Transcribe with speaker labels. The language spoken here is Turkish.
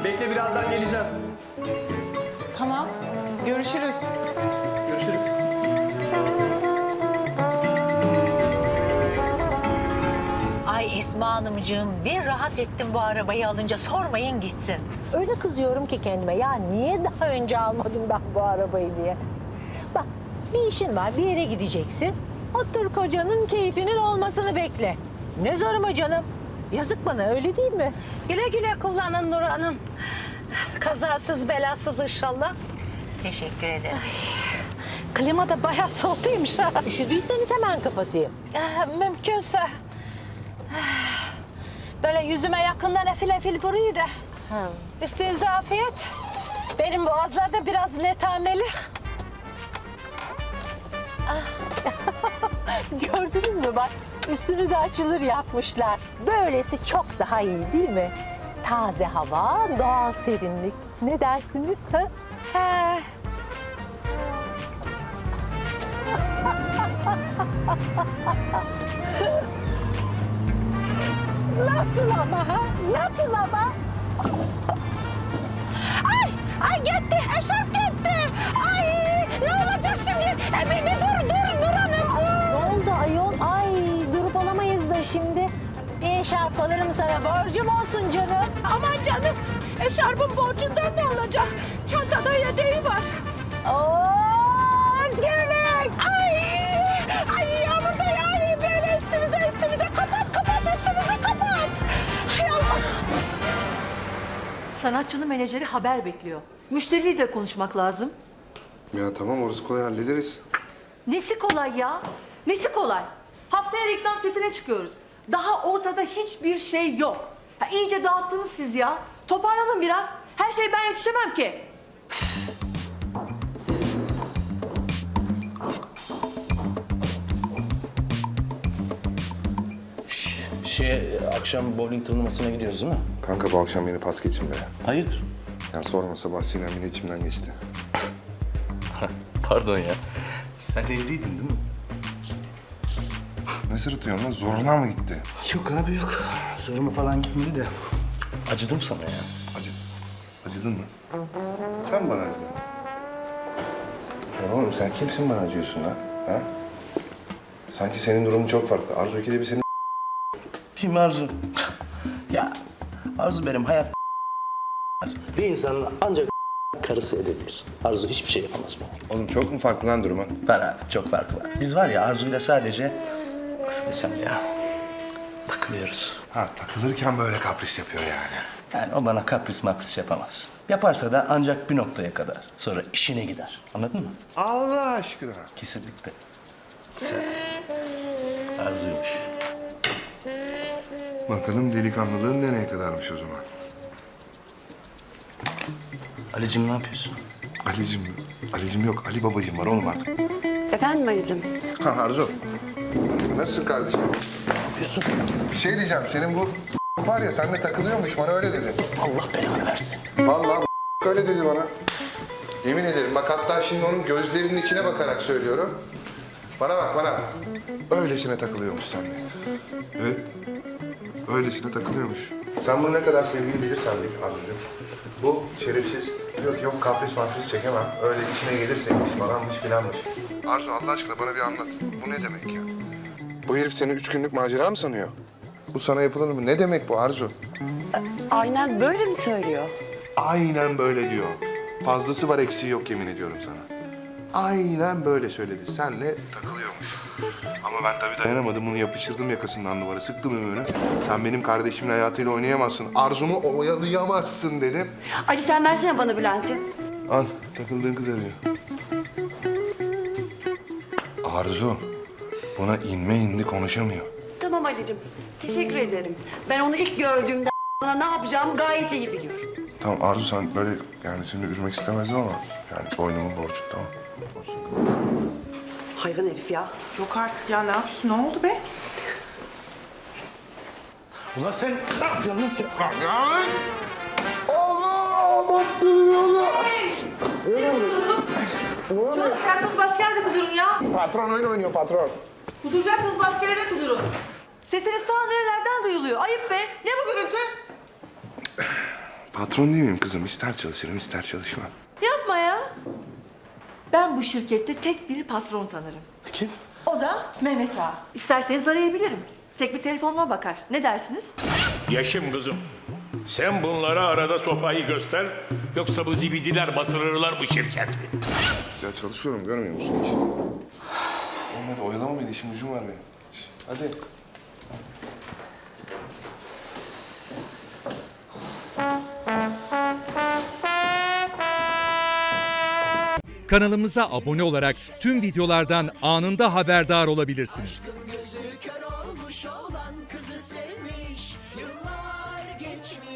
Speaker 1: Bekle, birazdan geleceğim.
Speaker 2: Tamam. Görüşürüz.
Speaker 1: Görüşürüz.
Speaker 3: Ay Esma Hanımcığım, bir rahat ettim bu arabayı alınca, sormayın gitsin. Öyle kızıyorum ki kendime, ya niye daha önce almadım ben bu arabayı diye. Bak, bir işin var, bir yere gideceksin. Otur kocanın keyfinin olmasını bekle. Ne zoruma canım. Yazık bana, öyle değil mi?
Speaker 4: Güle güle kullanın Nur Hanım. Kazasız belasız inşallah.
Speaker 3: Teşekkür ederim.
Speaker 4: Klima da bayağı soğutuymuş ha.
Speaker 3: Üşüdüyseniz hemen kapatayım.
Speaker 4: Mümkünse. Böyle yüzüme yakından efil efil vuruyor da. Üstünüze afiyet. Benim boğazlarda biraz netameli.
Speaker 3: Gördünüz mü bak, üstünü de açılır yapmışlar. Böylesi çok daha iyi değil mi? Taze hava, doğal serinlik. Ne dersiniz ha?
Speaker 4: He.
Speaker 3: Nasıl ama ha? Nasıl ama?
Speaker 4: Ay gitti, eşarp gitti. Ay ne olacak şimdi? Bir dur Nur Hanım.
Speaker 3: Ne oldu ayol? Ay durup alamayız da şimdi. Bir eşarp alırım sana, borcum olsun canım.
Speaker 4: Aman canım, eşarbın borcundan ne olacak? Çantada yedeği var.
Speaker 3: Oo, özgürlük!
Speaker 4: Ay yağmur da yağıyor böyle üstümüze. Kapat üstümüzü kapat. Hay Allah.
Speaker 5: Sanatçının menajeri haber bekliyor. Müşteriyle de konuşmak lazım.
Speaker 6: Ya tamam, orası kolay, hallederiz.
Speaker 5: Nesi kolay ya? Nesi kolay? Haftaya reklam setine çıkıyoruz. Daha ortada hiçbir şey yok. Ha, iyice dağıttınız siz ya. Toparlanın biraz. Her şeye ben yetişemem ki.
Speaker 7: Akşam bowling turnuvasına gidiyoruz değil mi?
Speaker 6: Kanka bu akşam beni pas geçin be.
Speaker 7: Hayırdır?
Speaker 6: Ya sorma, sabah Sinem yine içimden geçti.
Speaker 7: Pardon ya. Sen evliydin değil mi?
Speaker 6: Ne sırıtıyorsun lan? Zoruna mı gitti?
Speaker 7: Yok abi yok. Zoruma falan gitmedi de. Acıdım sana ya.
Speaker 6: Acıdın mı? Sen bana acıdın. Ya oğlum sen kimsin bana acıyorsun lan? Ha? Sanki senin durumun çok farklı. Arzu ikide bir senin...
Speaker 7: Kim Arzu? Ya Arzu benim hayat bir insanın ancak karısı edebilir. Arzu hiçbir şey yapamaz bana.
Speaker 6: Oğlum çok mu farklı lan durumun?
Speaker 7: Var abi, çok farkı var. Biz var ya Arzu'yla sadece nasıl desem ya takılıyoruz.
Speaker 6: Ha, takılırken böyle kapris yapıyor yani.
Speaker 7: Yani o bana kapris mapris yapamaz. Yaparsa da ancak bir noktaya kadar. Sonra işine gider. Anladın mı?
Speaker 6: Allah aşkına.
Speaker 7: Kesinlikle. Sen Arzu'ymuş.
Speaker 6: Bakalım delikanlılığın nereye kadarmış o zaman?
Speaker 7: Ali'cim ne yapıyorsun?
Speaker 6: Ali'cim yok. Ali babacığım var oğlum artık.
Speaker 8: Efendim Ali'cim?
Speaker 6: Ha Arzu. Nasılsın kardeşim?
Speaker 7: Ne yapıyorsun?
Speaker 6: Bir şey diyeceğim. Senin bu var ya, seninle takılıyormuş, bana öyle dedi.
Speaker 7: Allah belanı versin.
Speaker 6: Vallahi öyle dedi bana. Yemin ederim. Bak hatta şimdi onun gözlerinin içine bakarak söylüyorum. Bana bak bana. Öylesine takılıyormuş seninle. Evet. Öylesine takılıyormuş. Sen bunu ne kadar sevdiğini bilirsen bil Arzucuğum. Bu şerefsiz. Yok kapris mapris çekemem. Öyle içine gelirseymiş falanmış filanmış. Arzu Allah aşkına bana bir anlat. Bu ne demek ya? Bu herif seni 3 günlük macera mı sanıyor? Bu sana yapılır mı? Ne demek bu Arzu?
Speaker 8: Aynen böyle mi söylüyor?
Speaker 6: Aynen böyle diyor. Fazlası var, eksiği yok, yemin ediyorum sana. Aynen böyle söyledi. Senle takılıyormuş. Ama ben tabii dayanamadım. Bunu yapıştırdım yakasından duvara. Sıktım ömrünü. Sen benim kardeşimin hayatıyla oynayamazsın. Arzumu oyalayamazsın dedim.
Speaker 8: Ali sen versene bana Bülent'i.
Speaker 6: Al, takıldığın kız arıyor. Arzu, buna inme indi konuşamıyor.
Speaker 8: Tamam Ali'cim. Teşekkür ederim. Ben onu ilk gördüğümde bana ne yapacağımı gayet iyi biliyorum.
Speaker 6: Tamam Arzu, sen böyle yani seni üzmek istemezdim ama yani boynumun borcu, tamam.
Speaker 8: Hayvan herif ya.
Speaker 2: Yok artık ya, ne yapıyorsun? Ne oldu be?
Speaker 7: Ulan sen ne yapıyorsun lan sen?
Speaker 5: Çocuk ayaksız başka yerde kudurun ya.
Speaker 6: Patron oyun oynuyor, patron.
Speaker 5: Kuduracaksınız başka yerde kudurun. Sesiniz ta nerelerden duyuluyor. Ayıp be. Ne bu gürültü?
Speaker 6: Patron değil miyim kızım? İster çalışırım, ister çalışmam.
Speaker 5: Yapma ya. Ben bu şirkette tek bir patron tanırım.
Speaker 7: Kim?
Speaker 5: O da Mehmet Ağa. İsterseniz arayabilirim. Tek bir telefonuma bakar. Ne dersiniz?
Speaker 9: Yaşım kızım. Sen bunlara arada sopayı göster. Yoksa bu zibidiler batırırlar bu şirketi.
Speaker 6: Güzel çalışıyorum, görmüyor musun işini? Olmadı, oyalama beni, işim gücüm var benim. Hadi.
Speaker 10: Kanalımıza abone olarak tüm videolardan anında haberdar olabilirsiniz.
Speaker 11: Gözü kör olmuş olan kızı sevmeyi